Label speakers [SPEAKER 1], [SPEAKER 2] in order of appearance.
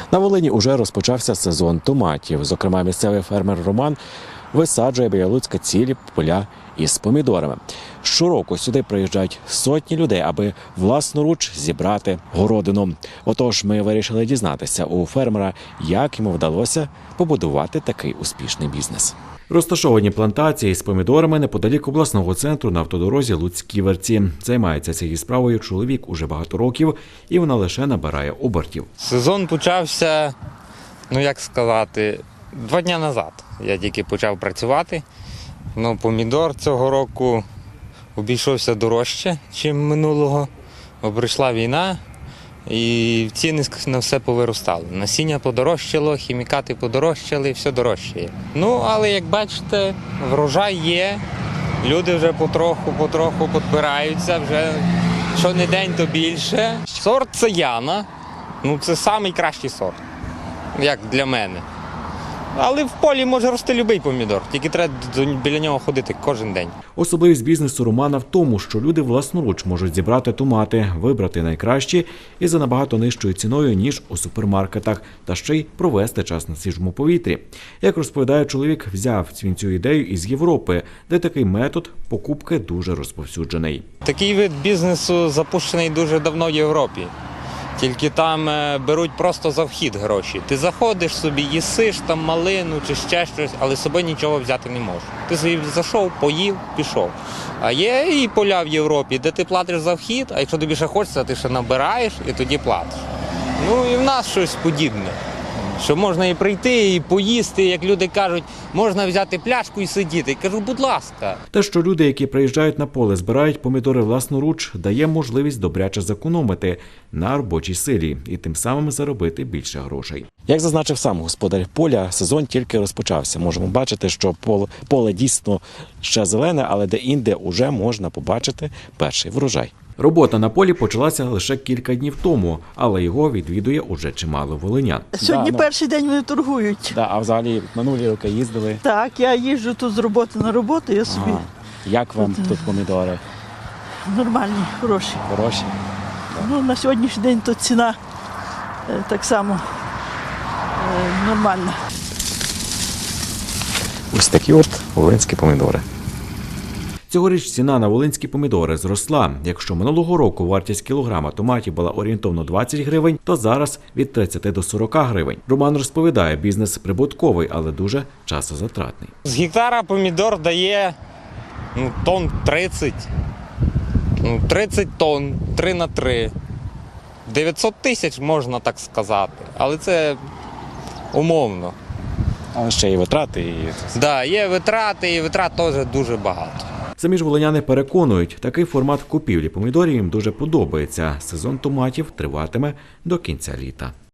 [SPEAKER 1] На Волині уже розпочався сезон томатів. Зокрема, місцевий фермер Роман висаджує біля Луцька цілі поля із помідорами. Щороку сюди приїжджають сотні людей, аби власноруч зібрати городину. Отож, ми вирішили дізнатися у фермера, як йому вдалося побудувати такий успішний бізнес. Розташовані плантації з помідорами неподалік обласного центру на автодорозі Луцьк-Ківерці. Займається цією справою чоловік уже багато років, і вона лише набирає обертів.
[SPEAKER 2] Сезон почався, 2 дні назад. Я тільки почав працювати. Помідор цього року обійшовся дорожче, ніж минулого. Прийшла війна і ціни на все повиростали. Насіння подорожчало, хімікати подорожчали, все дорожчає. Але як бачите, врожай є, люди вже потроху підбираються, вже щонедень то більше. Сорт це Яна, це найкращий сорт, як для мене. Але в полі може рости будь-який помідор, тільки треба біля нього ходити кожен день.
[SPEAKER 1] Особливість бізнесу Романа в тому, що люди власноруч можуть зібрати томати, вибрати найкращі і за набагато нижчою ціною, ніж у супермаркетах, та ще й провести час на свіжому повітрі. Як розповідає чоловік, взяв він цю ідею із Європи, де такий метод покупки дуже розповсюджений.
[SPEAKER 2] Такий вид бізнесу запущений дуже давно в Європі. Тільки там беруть просто за вхід гроші. Ти заходиш собі, їсиш там малину чи ще щось, але з собою нічого взяти не можеш. Ти собі зайшов, поїв, пішов. А є і поля в Європі, де ти платиш за вхід, а якщо тобі ще хочеться, ти ще набираєш і тоді платиш. І в нас щось подібне. Що можна і прийти, і поїсти, як люди кажуть, можна взяти пляшку і сидіти. Я кажу, будь ласка.
[SPEAKER 1] Те, що люди, які приїжджають на поле, збирають помідори власноруч, дає можливість добряче зекономити на робочій силі і тим самим заробити більше грошей. Як зазначив сам господар поля, сезон тільки розпочався. Можемо бачити, що поле дійсно ще зелене, але де-інде вже можна побачити перший врожай. Робота на полі почалася лише кілька днів тому, але його відвідує уже чимало волинян.
[SPEAKER 3] Сьогодні перший день вони торгують.
[SPEAKER 1] А взагалі минулі роки їздили?
[SPEAKER 3] Так, я їжджу тут з роботи на роботу, я собі.
[SPEAKER 1] Як вам тут помідори?
[SPEAKER 3] Нормальні, хороші.
[SPEAKER 1] Хороші?
[SPEAKER 3] На сьогоднішній день то ціна так само нормальна.
[SPEAKER 1] Ось такі волинські помідори. Цьогоріч ціна на волинські помідори зросла. Якщо минулого року вартість кілограма томатів була орієнтовно 20 гривень, то зараз від 30 до 40 гривень. Роман розповідає, бізнес прибутковий, але дуже часозатратний.
[SPEAKER 2] З гектара помідор дає тонн 30. 30 тонн, 3 на 3. 900 тисяч, можна так сказати. Але це умовно.
[SPEAKER 1] А ще і витрати.
[SPEAKER 2] Так, є витрати, і витрат теж дуже багато.
[SPEAKER 1] Самі ж волиняни переконують, такий формат купівлі помідорів їм дуже подобається. Сезон томатів триватиме до кінця літа.